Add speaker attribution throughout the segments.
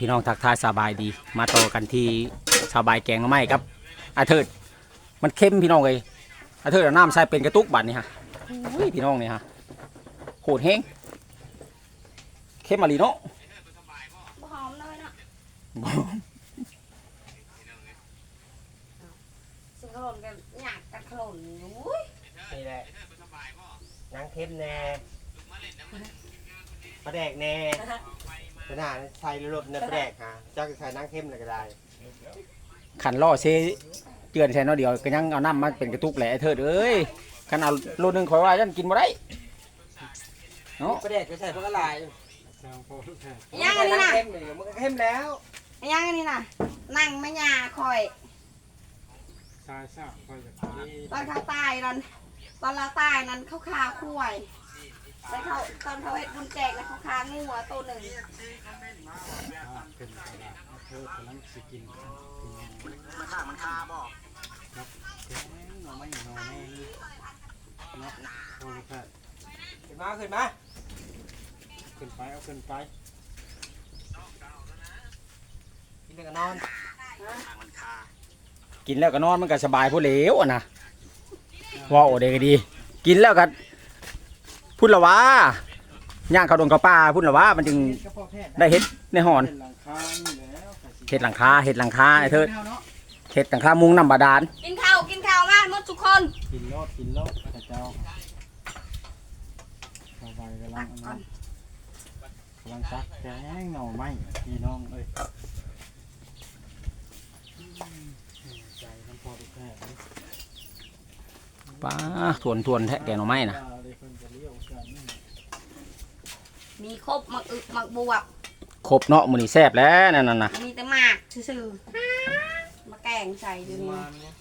Speaker 1: พี่น้องทักทายสบายดีมาต่อกันที่สบายแกงหน่อไม้ครับอาเถิดมันเข้มพี่น้องเลยอาเถิดเอาน้ำใส่เป็นกระตุกบัดนี่ฮะอุ้ยพี่น้องนี่ฮะโหดแห้งเข้มมาลีเนาะ
Speaker 2: บ่หอมเลยเนาะสิขลุ่นกันหยากกันขลุ่นอุ้ย
Speaker 3: นี่แหละนางเข้มแน่ปลาแดกแน่ขนาดใส่รถในปลาแดกฮะเจ้าจะใส่นางเข้มเลยก็ได้
Speaker 1: ขันล่อเซเจือนใส่น้อยเดียวก็ยังเอาน้ำมาเป็นกระตุกแหละไอ้เถิดเอ้ยขันเอาโลนึงข่อยว่าฉันกินบ่ได้เนาะ
Speaker 3: ปลาแดกก็ใส่พวกอะไร
Speaker 2: ยังอันนี้น่ะ
Speaker 3: เข้มเลยมันก็เข้มแล้ว
Speaker 2: ยังอันนี้น่ะนั่งไม่ยาคอยตอนเขาตายนั่นตอนเราตายนั้นเขาคาคุ้ยแล้วเขาตอนเขาเห็ดบุญแจกแล้วเขาคางูตัวหนึ่ง
Speaker 4: เป็นกระดาษเธอกำลังสิกินมันคาบ่ครับแกงหน่อไม้หน่อแม่เนาะโอ้ยครับ
Speaker 3: ขึ้นมาขึ้นมา
Speaker 4: ขึ้นไปเอาขึ้นไป
Speaker 3: กินแล้วก็นอน
Speaker 1: กินแล้วก็นอนมันก็สบายผู้เหลวอ่ะนะว่าโอเดก็ดี กินแล้วก็พุ่นละว่าย่างเขาดงเขาป่าพุ่นละว่ามันจึงได้เฮ็ดในหอน
Speaker 4: เป็นหลังคานี่แล้ว
Speaker 1: เฮ็ดหลังคาเฮ็ดหลังคาไอ้เถิดเฮ็ดหลังคามุงน้ำบาดาล
Speaker 2: กินข้าวมาหมดทุกคน
Speaker 4: กินรอดพระเจ้าสบายกำลังซักแกงหน่อไม้พี่น้องเอ้ยใจน้ำพอทุกแห่เลย
Speaker 1: ป้าทวนแทะแกงหน่อไม้นะ
Speaker 2: มีครบหมักอึกหมักบวบ
Speaker 1: ครบเนาะมื้อนี้แซ่บแล้วนั่นน่ะ
Speaker 2: มีแต่หมากซื่อๆมาแกงใส่อยู่นี่
Speaker 3: มันแล้ว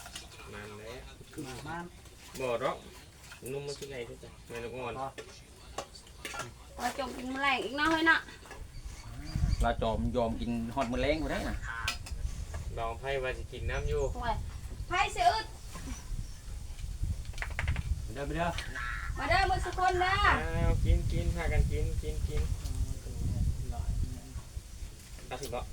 Speaker 5: บ่หรอกนุ่มมันสิไงที่จ้ะแม่ลูกอ่อน
Speaker 2: เราจมกินแมลงอีกเนาะเฮ้ยเนาะ
Speaker 1: ปลาจอมยอมกินฮอดมื้อแลงบ่ได้น่ะ
Speaker 5: ลองไพ่ว่าสิกินน้ำอยู่
Speaker 2: โอ้ยไผ่เสียอึด
Speaker 3: เดินไปเด้อ
Speaker 2: มาเด้อมือสุกคนเด้อ
Speaker 5: อ้าวกินพากันกินตักสิบ่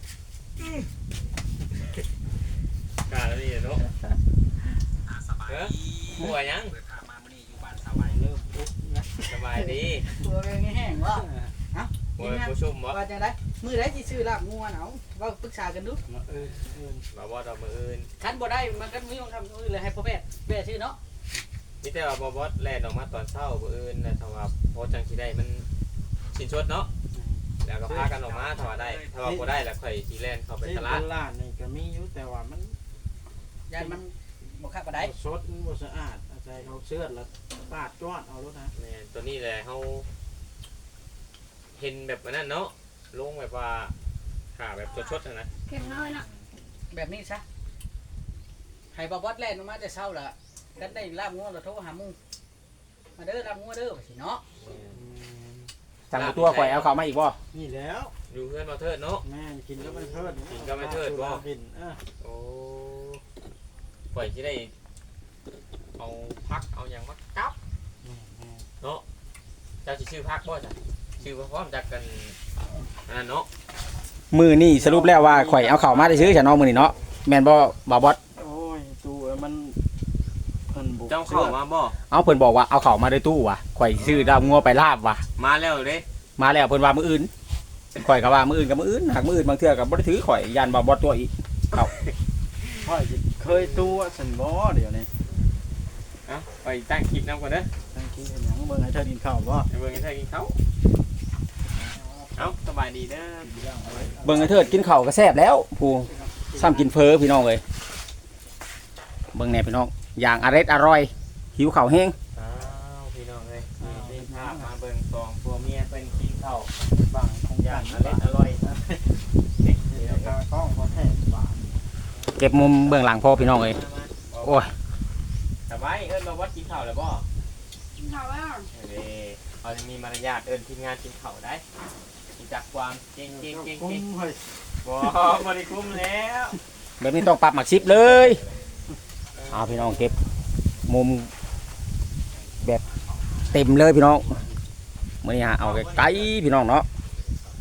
Speaker 5: กล้าแล้วนี่เนาะเออป่วยยัง
Speaker 4: เริ่มปุ๊บนะ
Speaker 5: สบายดี
Speaker 6: ตัวเองแห้งวะ
Speaker 5: ป่วยผู้ชุ่มบ่
Speaker 6: ว่าจะได้มือได้ที่ซื้อลาบงัวเนาะว่าปรึกษากันดู
Speaker 4: มาเออ
Speaker 5: บ่บ่ดอกมืออื่น
Speaker 6: คันบ่ได้มันก็มีของทำอื่นเลยให้พ่อแพทย์ชื่อเนาะ
Speaker 5: มีแต่ว่าบ่บอสแล่นออกมาตอนเช้ามื้ออื่นนะถ้าว่าพอจังสิได้มันสินชดเนาะแล้วก็พากันออกมาถ้าว่าได้ถ้าว่าบ่ได้แล้วค่อยสิแล่นเข้าไป
Speaker 4: ที่
Speaker 5: ตลาด
Speaker 4: ตลาดนี่ก็มีอยู่แต่ว่ามัน
Speaker 6: ยานมันบ่คักบ่ได้
Speaker 4: สดมันบ่สะอาดอาศัยเขาเชือดแล้วปาดจ้อนเอารถนะ
Speaker 5: แม่ตัวนี้แหละเฮาเห็นแบบนั้นเนาะลงแบบว่าขาแบบชดๆนะ
Speaker 2: เข็มน้อยเนาะ
Speaker 6: แบบนี้ซะให้บ่บอสแล่นออกมาแต่เช้าละกันได้ลาบงัวแล้วโทรหาหมู่มาเด้อลาบงัวเด้อว่าสิเนาะ
Speaker 1: สั่งตัวข่อยเอาเข้ามาอีกบ่
Speaker 4: นี่แล้ว
Speaker 5: อยู่เพื่อนมาเทิดเนาะ
Speaker 4: แม่กินก็ไม่เทิด
Speaker 5: กินก็ไม่เทิดบ่
Speaker 4: กินเออ
Speaker 5: โอ้ปล่อยที่ได้เอาพักเอาอย่างมากับเนาะเจ้าสิชื่อพักบ่จ้ะชื่อพร้อมจากกันอันนั้นเนาะ
Speaker 1: มื้อนี้สรุปแล้วว่าข่อยเอาเข้ามาได้ซื้อฉันเนาะมื้อนี้เนาะแม่นบ่บ่าวบอส
Speaker 4: โอ้ยตัวมันเพิ่นบุก
Speaker 5: เจ้าเข้ามาบ่
Speaker 1: เอาเพิ่นบอกว่าเอาเข้ามาในตู้ว่ะข่อยซื้อดาวงัวไปลาบว่ะ
Speaker 5: มาแล้วเด้
Speaker 1: มาแล้วเพิ่นว่ามื้ออื่นข่อยก็ว่ามื้ออื่นกับมื้ออื่นหากมื้ออื่นบางเทื่อก็บ่ได้ถือข่อยยันบ่าวบอสตัวอีก
Speaker 4: ค่อยเคยตัวสันบ่เดี๋ยวนี้
Speaker 5: เอ้าไปตั้งคลิปนำก่อนเด้อ
Speaker 4: ตั้งกินเห็นหยังเบิ่งให้เธอกินข้าวบ่
Speaker 5: ไปเบิ่งให้เธอกินข้าวเอ้าสบายดีเด้อ
Speaker 1: เบิ่งไอ้เถิดกินข้าวก็แซ่บแล้วผู้ซ้ำกินเฟอพี่น้องเอ้ยเบิ่งแหน่พี่น้องอย่างอร่อยหิวข้าวแห้ง
Speaker 5: อ้าวพี่น้องเอ้ยนี่ภาพมาเบิ่งสองผัวเมียเป็นกินข้าว
Speaker 4: บางของ
Speaker 5: อย่า
Speaker 4: ย่าง ง
Speaker 5: อร่อยนี่
Speaker 4: เดี๋ยวก็ต้องพอแท้บาท
Speaker 1: เก็บมุมเบื้องหลังพ่อพี่น้องเอ้ยโอ้ย
Speaker 5: สบายเอิ้นมาวัดกินข้าวแล้วบ่
Speaker 2: กินข้าวแล้ว
Speaker 5: เด้เขาจะมีมารยาทเอิ้นทีมงานกินข้าวได้มีจักความเก่ง
Speaker 4: กุ้งเฮ้ย
Speaker 5: บ่บ่ได้คุ้มแล้ว
Speaker 1: แบบนี้ต้องปรับหมักชิปเลยเอาพี่น้องเก็บมุมแบบเต็มเลยพี่น้องมื้อนี้ฮะเอาไกลๆพี่น้องเนาะพ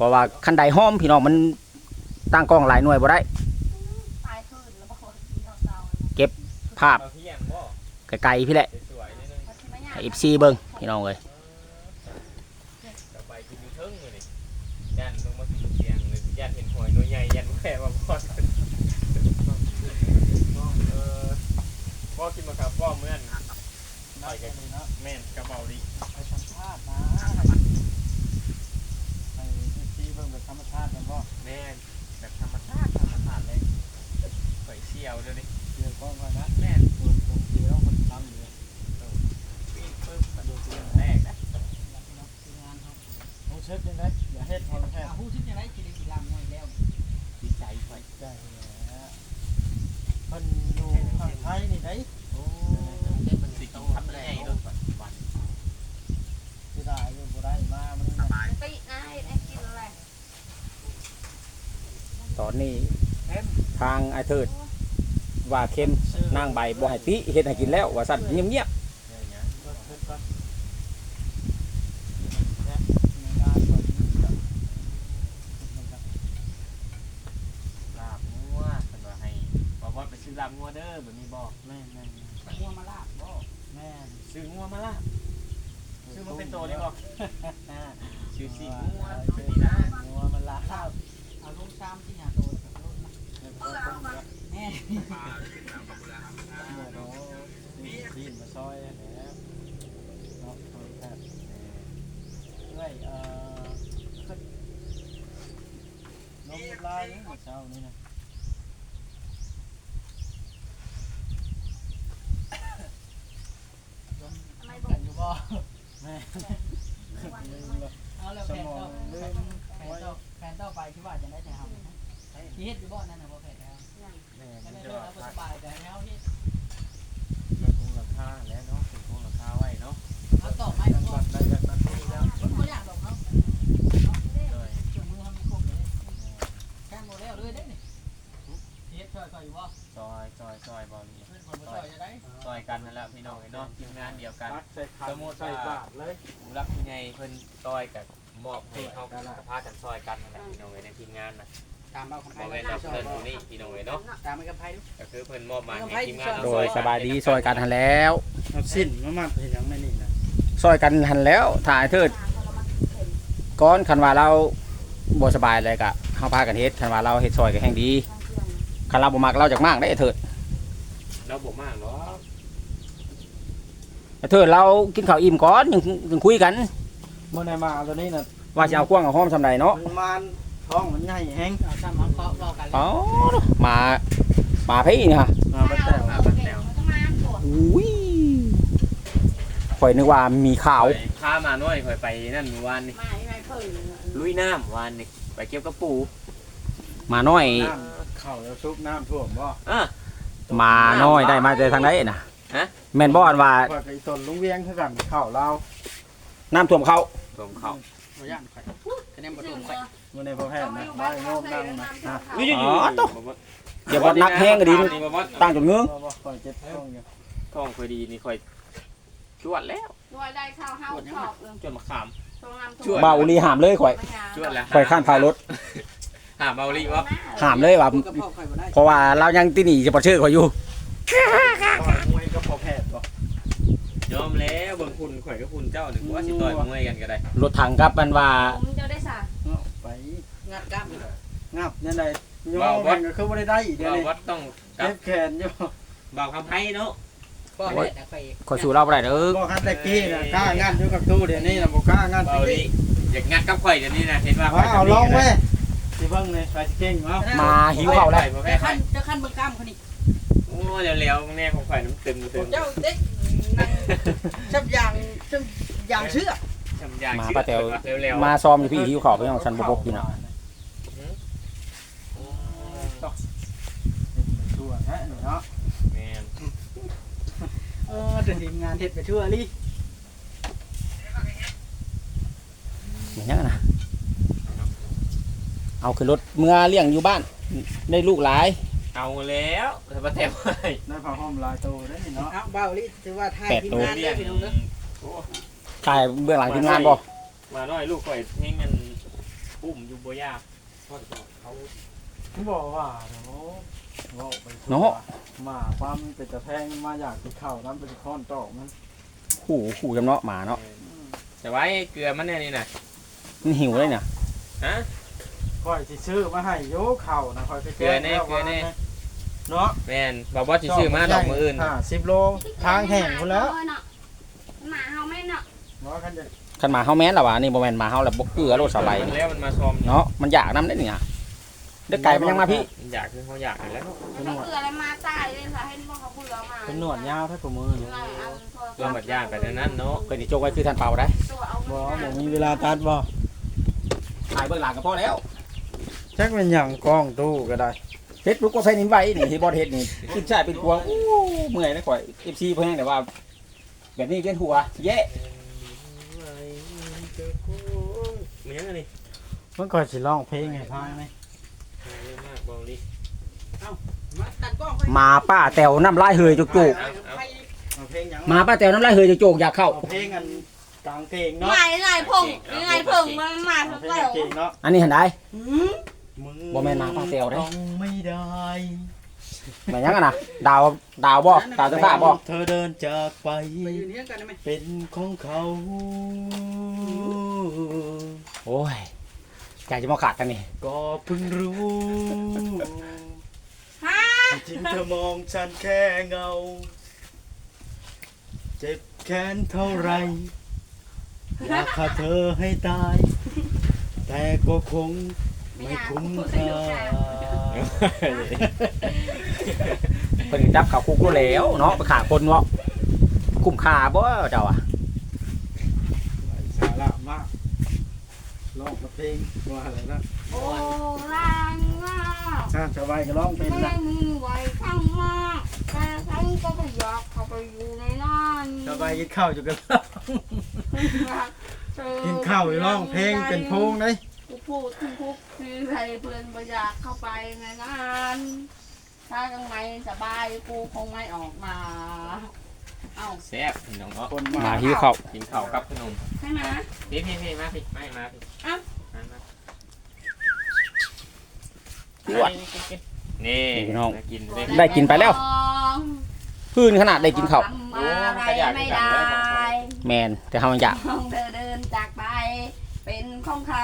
Speaker 1: ราะว่าคันใดห้อมพี่น้องมันตั้งกล้องหลายหน่วยบ่ได้
Speaker 2: ตายคืนแล้วบอกว่าเราเศร้า
Speaker 1: ภาพ
Speaker 5: เอาเที่ยงบ่
Speaker 1: ไกลๆพี่แหละ
Speaker 5: สวยๆนิดนึง
Speaker 2: เขาที่ไม่ยาก
Speaker 1: ให้ FC เบิ่งพี่น้องเอ้ย
Speaker 5: ต่อไปกินอยู่เทิงเลยนี่ยันลงมากินเตียงเลยยันเห็นหอยตัวใหญ่ยันแค่ว่าพ่อพ่อกินมาครับพ่อเมื่อนหอยกับแม่นกระเป๋าดิ
Speaker 4: ไปสัมภาษณ์นะไปที่เบิ่งแบบธรรมชาติกันบ่
Speaker 5: แม่นแบบธรรมชาติเลยหอยเชี่ยวเลยดิ
Speaker 4: เดี๋ยวก็มานะ
Speaker 5: แม่น
Speaker 4: ตัวตรงเดียวมันทำอยู่
Speaker 5: ปีนปึ๊บกระโดดเตียงแรกนะ
Speaker 4: ต้องเช็ดยังไงอย่าเฮ็ดพอแค่
Speaker 6: ผู้ชิ้นจะได้กินกี่ลำงวยแล้ว
Speaker 5: ดีใจหอย
Speaker 4: ได้แล้วมันอยู่ข้างไทยนี่ได้
Speaker 5: โอ้มันสิกินทำได้ไงรถวัน
Speaker 4: ที่ได้อยู่บ่ได้มามันนี่นะ
Speaker 2: ปีนะให้กินอะไร
Speaker 1: ตอนนี้ทางไอ้เทิดว่าเข้มนางใบบ่ให้ติเฮ็ดให้กินแล้วว่าซั่นเงียบ
Speaker 5: เนี่ย
Speaker 4: ก็เฮ็ดก่อนในงานก่อนมันก็
Speaker 5: ลาบงัวเป็นว่าให้บอกไปซื้อลาบงัวเด้อแบบนี้บอก
Speaker 4: แม่แม่
Speaker 6: งัวมาลาบบ่
Speaker 4: แม่
Speaker 5: ซื้องัวมาลาบซื้อมาเป็นตัวเลยบอกซื้อสีงัว
Speaker 4: เป็
Speaker 5: เป็น นนี่นะ
Speaker 4: งัวมันลาบ
Speaker 6: เอาลงซ้ำที่หาโตกับรถนะแม่
Speaker 4: เมื่อเราทีมมาซอยแล้วเนาะโทษครับด้วยนมลายเนี่ยเช้านี้นะ
Speaker 2: ทำไมบ
Speaker 6: กั
Speaker 2: อก
Speaker 6: นอยู่บ่
Speaker 4: แม่
Speaker 6: เอาแล้วแฟนต่อแฟนต่อไปที่ว่าจะได้แต่ทำนะที่เฮ็ดอยู่บ่นั่นน่ะบ่แฟนแล้ว
Speaker 4: แม่
Speaker 6: ก็
Speaker 4: มัน
Speaker 6: ได้
Speaker 4: จะ
Speaker 6: เรื่องแล้วสบายใจแล้วเฮ็ด
Speaker 5: มันคงราคาแล้วเนาะคงราคาไว้เนาะ
Speaker 6: เอาต่อไม้
Speaker 4: มัน
Speaker 6: ก็
Speaker 4: บัดได้แบบนั้นนี่แล้ว
Speaker 6: มันบ่อยากดอกเนาะ
Speaker 5: ด้วย
Speaker 6: เครื่องมือทำมันครบเลยแค่หมดแล้วเลยได้นี่เฮ็ดช่วยอยู่บ่
Speaker 5: ซอยบอลนี่
Speaker 6: เพื่อนคนบ่ช่วยจะได้
Speaker 5: ซอยกันนั่นแหละพี่น้องเนาะทีมงานเดียวกัน
Speaker 4: ปักใส่ขันใส่บาทเลย
Speaker 5: ผู้รักผู้ใหญ่เพิ่นซอยกับมอบให้เขากับพากันซอยกันนั่นแหละพี่น้องในทีมงานนะ
Speaker 6: ตามเอาคำไพ่
Speaker 5: บ่แม่นเพิ่นอยู่นี่พี่น้องเนาะ
Speaker 6: ตามไปคำไพ่ดู
Speaker 5: ก็คือเพิ่นมอบหมายให้ทีมงาน
Speaker 1: ๆโดยสบายดีซอยกันหันแล้ว
Speaker 4: เอาสิ้นมาเห็นยังไม่นี่นะ
Speaker 1: ซอยกันหันแล้วถ้าไอ้เทิดก้อนคันว่าเราบ่สบายเลยก็เฮาพากันเฮ็ดคันว่าเราเฮ็ดซอยก็แห่งดีคันเราบ่มักเราจักมากได้ไอ้เทิด
Speaker 5: เราบ่มากเนาะ
Speaker 1: ไอ้เทิดเรากินข้าวอิ่มก่อนยังคุยกัน
Speaker 4: เมื่อไหร่มาตัวนี้นะ
Speaker 1: ว่าสิเอากว้างเอาหอมซำใดเนาะ
Speaker 4: มันมันท้องมันใหญ่แห้ง
Speaker 6: เอาซ้ำเอาเคาะรอกัน
Speaker 1: อ๋อมาพี่นี่ฮะ
Speaker 4: มาบัดแต่ว
Speaker 2: เอาเก่งมันก็มาปวด
Speaker 1: อุ้ยข่อยนึกว่ามีข่าว
Speaker 5: พามาหน่อยค่อยไปนั่นเมื่อวานนี่
Speaker 2: ไม่เพิ่ง
Speaker 5: ลุยน้ำวานนี่ไปเก็บกระปู
Speaker 1: มาน้อย
Speaker 4: น้ำเข่าแล้วซุปน้ำท่วมบ่
Speaker 5: อ่ะ
Speaker 1: มาน้อยได้มาแต่ทางไหนน่ะ
Speaker 5: ฮะ
Speaker 1: แม่นบ่อันว่า
Speaker 4: คอยไปต้นลุงเวียงคือกันเข่าเรา
Speaker 1: น้ำท่วมเขา
Speaker 5: ผมเข้า
Speaker 6: บ่ย่านไข่คะแนนบ่ถูกไข่
Speaker 4: เมื่อในพ่อแพทย์นะบ้านโยมนั่งนะนะ
Speaker 1: อ๋อตุ๊เดี๋ยวว่านักแห้งก็ดี
Speaker 5: นี่บ่บ่
Speaker 1: ตั้งจนเงื้อง
Speaker 4: บ่คอยเจ็บท้องอยู่
Speaker 5: ท้องค่อยดีนี่ค่อยจวดแล้ว
Speaker 2: ด้วยได้ข้าวห้าวชอบเลย
Speaker 5: จวดมะขาม
Speaker 2: ตรงน้ำ
Speaker 5: ช่วย
Speaker 1: บ่าวอุลีหามเลยข่อย
Speaker 5: จวดแล้ว
Speaker 1: ข่อยข้านพายรถ
Speaker 5: หาเบาลีวะ
Speaker 1: หามเลยว่า
Speaker 6: พูดกับพ่อไข่บ่ได้
Speaker 1: เพราะว่าเรายังตีหนีจะบ่ชื่อข่อยอยู่
Speaker 4: ต่อยมวยก็พ่อแพทย์บ่
Speaker 5: ยอมแล้วบางคุณข่อยกับคุณเจ้าหนึ่งว่าสิต่อยมวยกันก็ได้
Speaker 1: รถถังครับมันว่า
Speaker 2: ผมจะได้สา
Speaker 4: เอาไป
Speaker 6: งัดกล้าม
Speaker 4: งับยังไงโยมแม่งก็คือบ่ได้อีกเดี๋ยว
Speaker 5: เรา
Speaker 4: นี้
Speaker 5: วัดต้องกั
Speaker 4: เจ็
Speaker 5: บบ
Speaker 4: แขนอยู่
Speaker 5: เบาคำไพ่เนาะ
Speaker 6: พ่อแม่แต่ไข่
Speaker 1: ข่อยสู้เราบ่ได้เด้อ
Speaker 4: บ่คันตะกี้น่ะกล้างัดอยู่กับตู้เดี๋ยวนี้น่ะบ่กล้างัด
Speaker 5: เบาลีอยากงัดกับข่อยเดี๋ยวนี้นะเห็นว่า
Speaker 4: เอาลองเว้ยสิเบิ่งนี่ใครสิเก่งเอา
Speaker 1: มาหิวเขาแล้ว
Speaker 6: จะขั้นเบิ่งกล้ามคนนี้
Speaker 5: โอ้เร็วๆแน่ของข่อยน้ำตึงตึง
Speaker 6: เจ้าเด็กนั่งชับอย่างเชื่อ
Speaker 5: ทำอย่าง
Speaker 1: มาป้าแต๋ว
Speaker 5: เร็วๆ
Speaker 1: มาซ้อมอยู่พี่หิวเขาไปยังฉันบ่บกอยู่น่ะ
Speaker 4: ชั่วแท้นี่เนาะ
Speaker 5: แม่น
Speaker 6: แต่ทีมงานเฮ็ดไปชั่วลิ
Speaker 1: อย่างนั้นน่ะเอาขึ้นรถเมื่อเลี้ยงอยู่บ้านได้ลูกหลาย
Speaker 5: เอาแล้วแต่ป้าแต๋วให้
Speaker 4: ได้ผ้าห่มลายโตได้นี่เนาะ
Speaker 6: เอาเบาลิถือว่าทายทีมงาน
Speaker 5: เรี
Speaker 6: ได้
Speaker 5: ยน
Speaker 6: พี่น้องเด้อ
Speaker 5: โอ้
Speaker 1: ถ่ายเบื้องหลังทีมงานบ่
Speaker 5: มาหน่อยลูกข่อยเฮงกันอุ้มอยู่บ่ยาก
Speaker 4: เขาบอกว่าเนาะว่าไปทั่ว
Speaker 1: เนาะ
Speaker 4: มาความเป็นตะแพงมาอยากกินข้าวน้ำเป็นค้อนตอกมัน
Speaker 1: ขู่จำเนาะหมาเนาะ
Speaker 5: แต่ไว้เกลือมันแน่นี่น่ะ
Speaker 1: มันหิวเลยเนี่ย
Speaker 5: ฮะ
Speaker 4: ค่อยสิซื้อมาให้โยข้าวนะค่อยไป
Speaker 5: เกลือแน่เกลือแน่
Speaker 4: เนาะ
Speaker 5: แม่นบอกว่าสิซื้อมาดอกมื้ออื่น
Speaker 4: 10 โลทางแห้งพุ่นแล้ว
Speaker 2: หมาเฮาไม่เนาะ
Speaker 4: เนาะคันจะ
Speaker 1: คันหมาเฮาแม่นล่ะวะนี่บ่แม่นหมาเฮาแล้วบ่เกลือโลดสบาย
Speaker 5: มันแล้วมันมาชม
Speaker 1: เนาะมันอยากนำได้เนี่ยเด็กไก่มันยังมาพี่
Speaker 5: มันอยากคือเขาอยากนั่นแหล้ว
Speaker 2: ไม่ได้เกลืออะไรมาตายเลยค่ะให้พวกเขาเบื่อมา
Speaker 4: เป็นหนวดยาวถ้ากับมือนี่
Speaker 5: เกลือหมดย่างไปนั้นเนาะ
Speaker 1: เพิ่นสิโจกไว้คือท่านเปาได้
Speaker 2: ตัวเอา
Speaker 4: บ่บ่มีเวลาตัดบ่
Speaker 1: ถ่ายเบื้องหลังก็พอแล้ว
Speaker 4: จักเป็นหยังกล้องตู้ก็ได้
Speaker 1: เฮ็ดลูกก็ใส่นิ้นไว้นี่ที่บ่เฮ็ดนี่ขึ้นชายเป็นกวงอู้เมื่อยนะข่อย FC เพิ่นแต่ว่า แบบนี้เวียนหัวแย่
Speaker 5: มันยังไงนี่
Speaker 4: มันก็สิร้องเพลงให้ฟังไหม
Speaker 5: เยอะมากบอกดิ
Speaker 6: มาตัดกล้องไป
Speaker 1: มาป้าแตวน้ำลายเฮยจุก
Speaker 4: เอาเพลงหยัง
Speaker 1: ๆมาป้าแตวน้ำลายเฮยจุกๆอยากเข้า
Speaker 4: เอาเพลงอันกลางเพลงเนาะ
Speaker 2: ไงผงยังไงผงมันมา
Speaker 4: เอา
Speaker 2: ทั้ง
Speaker 4: เพล
Speaker 2: เดี
Speaker 4: ง
Speaker 2: ยว
Speaker 4: เก่งเนาะ
Speaker 1: อันนี้เห็นได้
Speaker 4: มึง
Speaker 1: บ่แม่นมาป้าแตวเด้
Speaker 4: ต้องไม่ได้
Speaker 1: แม่นยังอะนะดาวบ่ดาวจะฟ้าบ่
Speaker 4: เธอเดินจากไป
Speaker 6: ไปยืนเฮียงกันได้ไหม
Speaker 4: เป็นของเขา
Speaker 1: โอ้ยใจจะมาขาดกันนี่
Speaker 4: ก็เพิ่งรู้
Speaker 2: ฮะ
Speaker 4: จริงเธอมองฉันแค่เงา เจ็บแค้นเท่าไรอยากฆ่าเธอให้ตาย แต่ก็คงไม่คุ้มค่า
Speaker 1: เพิ่นจับเข้าคุกรู้แล้วเนาะไปฆ่าคนเนาะคุ้มค่าบ่เจ้าอ่ะ
Speaker 4: สาระมากร้องเพลงว่าอะไรนะ
Speaker 2: โอ้ลังว่า
Speaker 4: สบายก็ร้องเป็น
Speaker 2: ไม่
Speaker 4: นะ
Speaker 2: มีไหวข้างมากแต่ฉันก็ไม่อยากเข้าไปอยู่ในนั้น
Speaker 4: สบายกินข้าวอยู่กันกินข้าวอยู่ร้องเพลงเป็นโพงเลย
Speaker 2: กูพูดทุกทุกคือใครเพื่อนไม่อยากเข้าไปในนั้นถ้ายังไม่สบายกูคงไม่ออกมา เอ้า
Speaker 5: แซ่บพี่น้องเนาะ
Speaker 4: คน
Speaker 1: มา
Speaker 4: มา
Speaker 1: หิวข้าว
Speaker 5: กินข้าวกับขนม
Speaker 2: ใช่ไหม
Speaker 5: พี่มาพี่ไม่มาพี่
Speaker 2: อ้าว
Speaker 5: มา
Speaker 1: พี่อ้วน
Speaker 5: นี่
Speaker 1: พี่น้อง
Speaker 5: กินด้วย
Speaker 1: ได้กินไปแล้ว พื้นขนาดได้กินข้าว
Speaker 2: ทำอะไรไม่ได้
Speaker 1: แมนแต่เฮายังอยาก
Speaker 2: มองเธอเดินจากไป เป็นของเขา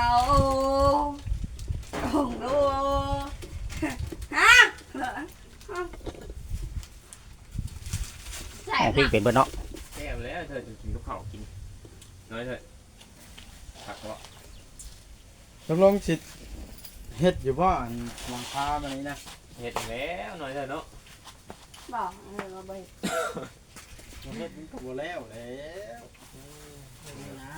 Speaker 2: คงดูฮะใช่
Speaker 1: เอาพริกเป็นเบิดเนาะ
Speaker 5: แซ่บแล้วเธอจะกินกับข้าวกินน้อยเถอะผักวะ
Speaker 4: ตกลงสิเฮ็ดอยู่บ่อันหลังคาแบบนี้นะ
Speaker 5: เห็ดแล้วน้อยเถอะเนาะ
Speaker 2: บอกเราไป
Speaker 4: เฮ็ดมันก็บ่แล้วแล้ว
Speaker 6: นี่นะ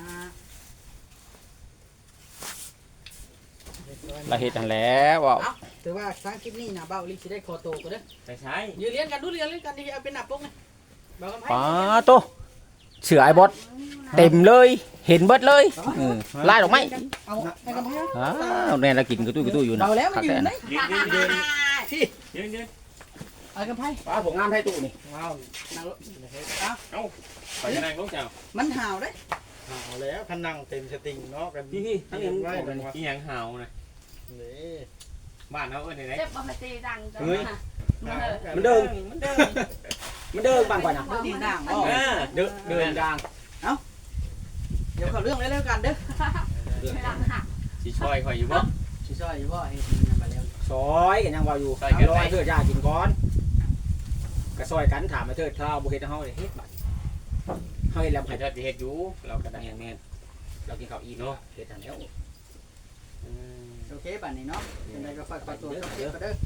Speaker 1: เราเฮ็ดนั่นแหล้วว้าว
Speaker 6: เอาถือว่าทางคลิปนี้นะเบ้าลิสิได้คอโตกูเด้อ
Speaker 5: ไปใช้
Speaker 6: ยืนเลี้ยงกันดูเลี้ยงกันที่เอาเป็นหนับปุ๊กนะเบ้ากันไพ่
Speaker 1: ป้าโตเสือไอ้บอสเต็มเลยเห็นเบิดเลยไล่ดอกไม้
Speaker 6: เอาไอ้กันไพ่
Speaker 1: อ้าวแน่ละกินกระตุ้ยอยู่นะ
Speaker 6: เบาแล้วมันยืนได้
Speaker 5: ยืน
Speaker 6: ที่
Speaker 5: ยืน
Speaker 6: เอากันไพ่
Speaker 1: ป้าผมงามไทยตู้นี่
Speaker 6: ว้าวนางรถ
Speaker 5: ไปนั่งลงเจ้า
Speaker 6: มันห่าวได้
Speaker 4: เอาแล้วคันนั่งเต็มสติงเนาะกัน
Speaker 5: พี่ทั้งยัง
Speaker 4: ไว้กันว่า
Speaker 5: อีหยังเห่านะ
Speaker 4: นี่
Speaker 5: บ้านเขาเอ้ยไหน
Speaker 2: เจ็บปกติดังจังนะ
Speaker 1: มันเดิน
Speaker 5: มันเดิน
Speaker 1: มันเดินบางกว่านะ
Speaker 6: เดินดีด่างบ่
Speaker 1: เดินยาง
Speaker 6: เดี๋ยวเขาเรื่องเล่นกันเด้อ
Speaker 2: ดังหัก
Speaker 5: สิช่วยคอยอยู่บ่
Speaker 6: ชิช่วยอยู่บ่เฮ็ดมาแล้ว
Speaker 1: ซอยกันยังว่าอยู่
Speaker 5: ซอยกัน
Speaker 1: ร
Speaker 5: ไป
Speaker 1: อเถิดยากินก่อนก็ซอยกันถามมาเถิดถ้าบ่เฮ็ดให้เฮาเลยเฮ็ดบัดเฮาเฮ็ดแล้ว
Speaker 5: ให้
Speaker 1: ให้
Speaker 5: เธอเฮ็ดอยู่เราก็ได้
Speaker 1: แม่นเรากินข้าวอิ่มเนาะเฮ็ดทันแล้ว
Speaker 6: โอเคป่านนี้เนาะยังไงก็ฝากขอตัวเด้อเด้อ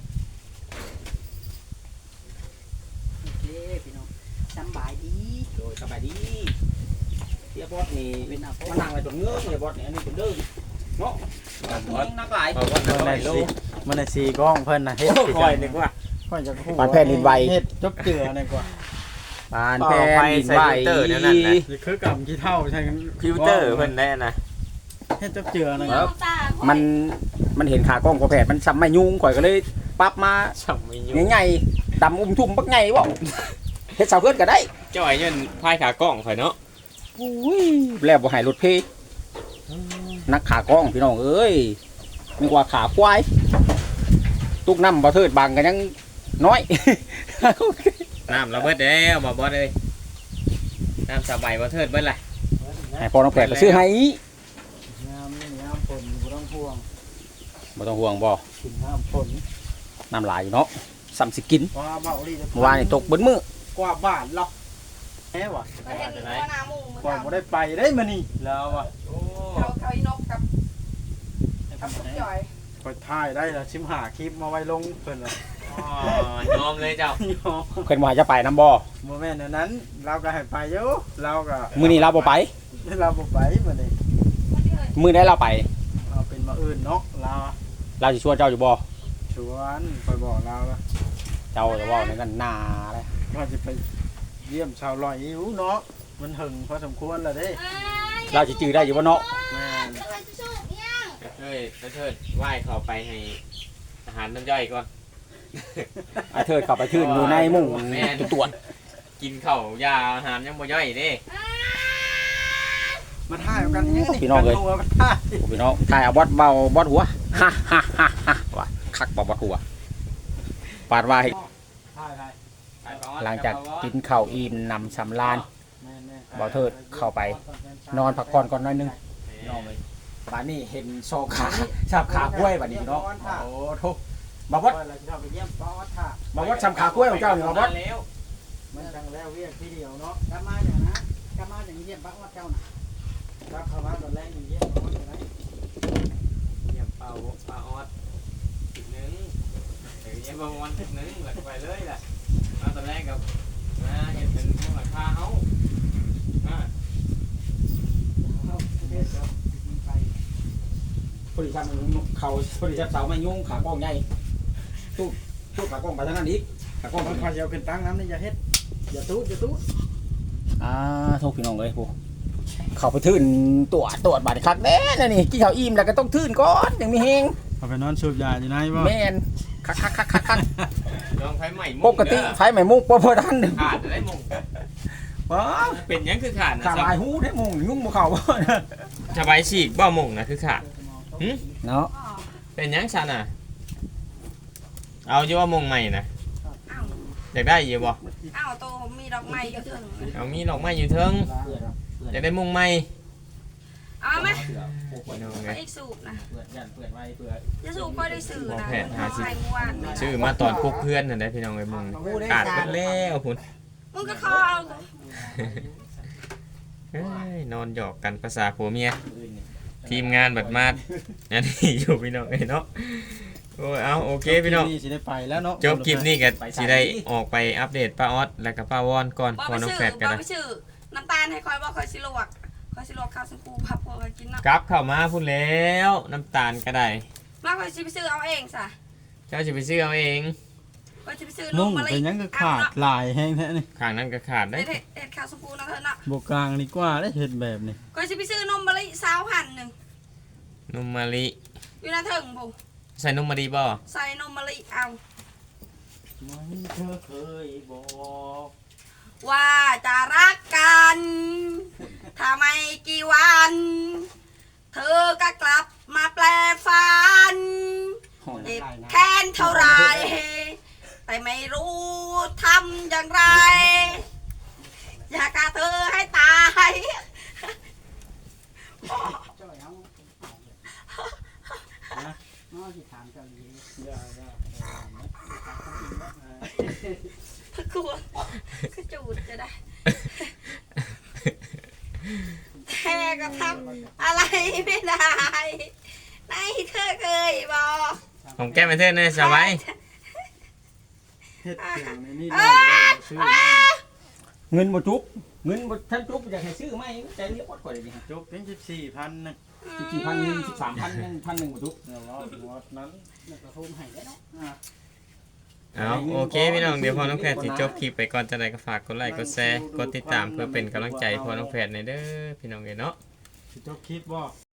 Speaker 6: โอเคพี่น้องสบายดี
Speaker 1: โดยสบายดีเสียบอสนี่
Speaker 6: เป็นหน้าปุ๊ก
Speaker 1: มานั่งไว้ตรงเงื้อเลยบอสนี่อันนี้เป็นเด้อเนาะนักหลาย
Speaker 5: เพราะว่า
Speaker 4: มันได้สิมันได้สีกล้องเพิ่นน่ะเฮ็ดสิ
Speaker 1: คอยนึกว่า
Speaker 4: ค่อยจะฮู้
Speaker 1: ปานแผ่นดินไหว
Speaker 4: เฮ็ดจบเจือนี่กว่า
Speaker 1: ปานแผ่นดินไหว
Speaker 4: นี่คือกำขี้เท่าใช่กัน
Speaker 5: ฟิลเตอร์เพิ่นได้นะ
Speaker 4: เฮ็ดจบเจือนี่
Speaker 1: มันเห็นขากล้องกว่าแผดมันซ้ำไม่ยุ่งข่อยก็เลยปรับมา
Speaker 5: ช่ำไม่อยู่
Speaker 1: ใหญ่ๆดำทุ่มบักใหญ่บ่เฮ็ดเสาเกินก็ได้
Speaker 5: จ่อยเงินพายขากล้องข่อยเนาะ
Speaker 1: อุ้ยแล้วบ่ให้รถเพนักขากล้องพี่น้องเอ้ยมีกว่าขาควายตุกน้ำบ่เทิดบางกันยังน้อย
Speaker 5: น้ำระเบิดแล้วบ่บอสเลยน้ำสบายบ่เทิดเบิดล่ะ
Speaker 1: ให้พอน้องแปดก็ซื้อให้
Speaker 4: ยามนี่ยามฝนบ่ต้องห่วง
Speaker 1: บ่ต้องห่วงบ่
Speaker 4: กินน้ำฝน
Speaker 1: น้ำลายอยู่เนาะซ้ำสิกิน
Speaker 4: ว่าเบาลี
Speaker 1: เมื่อวานนี่ตกเบิดมื้อก
Speaker 4: ว่าบ้านเราแหมวะ
Speaker 2: ประเทศนี้ก็นามุ่ง
Speaker 4: กว่าบ่ได้ไปได้มานี่แล้ววะ
Speaker 5: โอ้
Speaker 2: เขาอีนกกับทุกย่อย
Speaker 4: คอยถ่ายได้ละชิมหาคลิปมาไว้ลงเพิ่นละ
Speaker 5: ยอมเลยเจ้า
Speaker 1: เพิ่นว่าจะไปน้ำบ่
Speaker 4: บ่แม่นอันนั้นเราก็ให้ไปอยู่เราก็
Speaker 1: มื้อนี้เราบ่ไป
Speaker 4: เราบ่ไปมื้อนี้
Speaker 1: มื้อใดเราไป
Speaker 4: เอาเป็นมาอื่นเนาะเรา
Speaker 1: เราสิชวนเจ้าอยู่บ่
Speaker 4: ชวนคอยบอกเราละ
Speaker 1: เจ้าจะเว้าในกันหน้าเลย
Speaker 4: ว่าจะไปเยี่ยมชาวลอยอยู่เนาะมันหึงพอสมควรแล้วเด้
Speaker 1: เราสิจื้อได้อยู่บ่เนาะ
Speaker 4: แม่น
Speaker 5: กระเทิดไหว้เข้าไปให้อาหารน้ำย่อยก่อน
Speaker 1: ไอ้เทิดกลับไปทื่นอยู่ในมุ้ง
Speaker 5: แม่น
Speaker 1: ตรวจ
Speaker 5: กินข้าวยาอาหารยังบ่ย่อยเด้
Speaker 4: มาถ่ายกันนี่
Speaker 1: พี่น้องเอ้ย
Speaker 4: มาถ่าย
Speaker 1: โอ้พี่น้องถ่ายเอาบอดเบาบอดหัวฮ่าฮ่าฮ่าฮ่าว่าคักบ่บอดหัวปาดว่าให้
Speaker 4: ถ่าย
Speaker 1: หลังจากกินข้าวอิ่มนำสำราญ
Speaker 4: แม่น
Speaker 1: บ่เทิดเข้าไป นอนพักผ่อนก่อนหน่อยหนึงน้องเลยบ้านนี้เห็นโซขาชาบขากล้วยบัดนี้พี่น้องโอ้โทบ่บอด
Speaker 4: เราจะเข้าไปเยี่ยมป้อถ่า
Speaker 1: บ่บอดชำขากล้วยของเจ้านี่บ่บอด
Speaker 5: แล้ว
Speaker 4: มันจังแล้วเวียกทีเดียวเนาะ
Speaker 6: กลับมาอย่างนะกลับมาอย่างเยี่ยมบ้านวัดเจ้าน่ะ
Speaker 4: รับเข้ามาตอนแรกอยู่เยี่ยมป้ออยู่ไหน
Speaker 5: เยี่ยมเป่าปลาออดจุดหนึงเดี๋ยวเยี่ยมบางวันจุดหนึงหลักไปเลยล่ะมาตอนแรกกับมาเห็นเป็นพวกหลังคาเฮาอ่า
Speaker 1: พอดีทำเขาพอดีจับเสาไม่ยุ่งขากล้องใหญ่ตู้ขากล้องไปทางนั้นอีกขากล้อง
Speaker 4: มันพาเยาขึ้นตั้งน้ำนี่อย่าเฮ็ดอย่าตู้อย่าตู้
Speaker 1: โทษพี่น้องเลยผู้เขาไปทื่นตรวจบาดคักแน่นะนี่กินข้าวอิ่มแล้วก็ต้องทื่นก่อนยังมีเฮง
Speaker 4: เอาไปนอนสูบยาอยู่ไหนบ่
Speaker 1: แม่นคัก
Speaker 5: ลองไฟใหม่
Speaker 1: ปกติไฟไหม้มุกบ่ทัน
Speaker 5: ขาดได้มง
Speaker 1: ว้า
Speaker 5: เป็นหยังคือขาดนะ
Speaker 1: ขาลายหูได้มุงยุ่งบ่เข้าบ่
Speaker 5: สบายฉีกบ่มงนะคือขาด
Speaker 1: เนาะ
Speaker 5: เป็นหยังชันอ่ะ เอาอยู่ว่ามงใหม่นะ
Speaker 2: อ้าว
Speaker 5: อยากได้อยู่บ่
Speaker 2: อ้าวโตมีดอกไม้ก็ถึง
Speaker 5: เอามีดอกไม้อยู่เทิงอยากได้มงใหม่
Speaker 2: เอาไหม
Speaker 5: น้อง
Speaker 2: ไป
Speaker 5: ไง
Speaker 2: อีกสูบนะ
Speaker 1: เปิดไว้เพื่อ
Speaker 2: จะสูบก็ได้สื่อนะ
Speaker 5: แผนหาสิ
Speaker 2: ใครเมื่อวาน
Speaker 5: ชื่อมาตอนพวกเพื่อนนั่นได้พี่น้องไอ้มงขาดไปแล้วพุ่น
Speaker 2: มึงก็คอเอา
Speaker 5: เอ้ยนอนหยอกกันภาษาผัวเมียทีมงานบัดมาดอันนี้อยู่พี่น้องไอ้เนาะโอ้ยเอาโอเคพี่น้อง
Speaker 4: นี่สิได้ไปแล้วเนาะ
Speaker 5: จบคลิปนี้ก็สิได้ออกไปอัปเดตป้าออสและกับป้าวอนก่อน
Speaker 2: บอก
Speaker 5: พอ
Speaker 2: ไป
Speaker 5: น้อง
Speaker 2: สื่อ
Speaker 5: แฟดกัน
Speaker 2: บอก
Speaker 5: นะ
Speaker 2: ไปสื่อน้ำตาลให้คอยบอกคอยสิลวกข้าวสังคูพับพอคอยกินเนาะ
Speaker 5: กลับเข้ามาพูดแล้วน้ำตาลก็ได้
Speaker 2: มาคอยสิไปซื้อเอาเองสะ
Speaker 5: เจ้าจะไปซื้อเอาเอง
Speaker 2: คอยสิไปซื้อ
Speaker 4: นุ่ง
Speaker 2: มะลิ
Speaker 4: เป็นหยังก็ขาดลายแห้งแท้นี่
Speaker 5: ข้างนั้นก็ขาดได้
Speaker 2: เด็ดข้าวสังคูนะเธอเนาะ
Speaker 4: บกกลางดีกว่าได้เฮ็ดแบบนี้
Speaker 2: คอยสิไปซื้อนมมะลิสาวหั่นหนึ่ง
Speaker 5: นมมะลิ
Speaker 2: อยู่หน้าเถิงผม
Speaker 5: ใส่นมมะลิบ่
Speaker 2: ใส่นมมะลิเอา
Speaker 4: ไม่เธอเคยบอก
Speaker 2: ว่าจะรักกันถ้าไม่กี่วัน เธอก็กลับมาแปลฝันเจ็บแค้นเท่าไรแต่ไม่รู้ทำอย่างไร อยากฆ่าเธอให้ตาย
Speaker 6: เจ้าเอาน้อสิถามเจ้าอีก
Speaker 2: กลัวก็จูดจะได้แต่ก็ทำอะไรไม่ได้ไหนเธอเคยบอก
Speaker 5: ผมแก้ไม่เท่เนี่ยสบาย
Speaker 4: เฮ็ดเกี่ยวในนี่
Speaker 2: อ้า
Speaker 4: ซื้อ
Speaker 1: เงินบ่จุบเงินบ่ทันจุบอยากให้ซื้อไหมใจเรียกวัดกว่าเลยนี่
Speaker 4: จบเป็น14,000นึง
Speaker 1: 14,000 13,000 1,000บ่จุบ
Speaker 4: เดี๋ยวรอถึงวัดนั้น
Speaker 6: แล้วก็โฮมให้ได้เนาะ
Speaker 5: เอาโอเคพี่น้องเดี๋ยวพอน้องแพทย์สิจบคลิปไปก่อนจะได้ก็ฝากกดไลค์กดแชร์กดติดตามเพื่อเป็นกำลังใจพอน้องแพทย์ในเด้อพี่น้องเนาะ
Speaker 4: สิจบคลิปบ่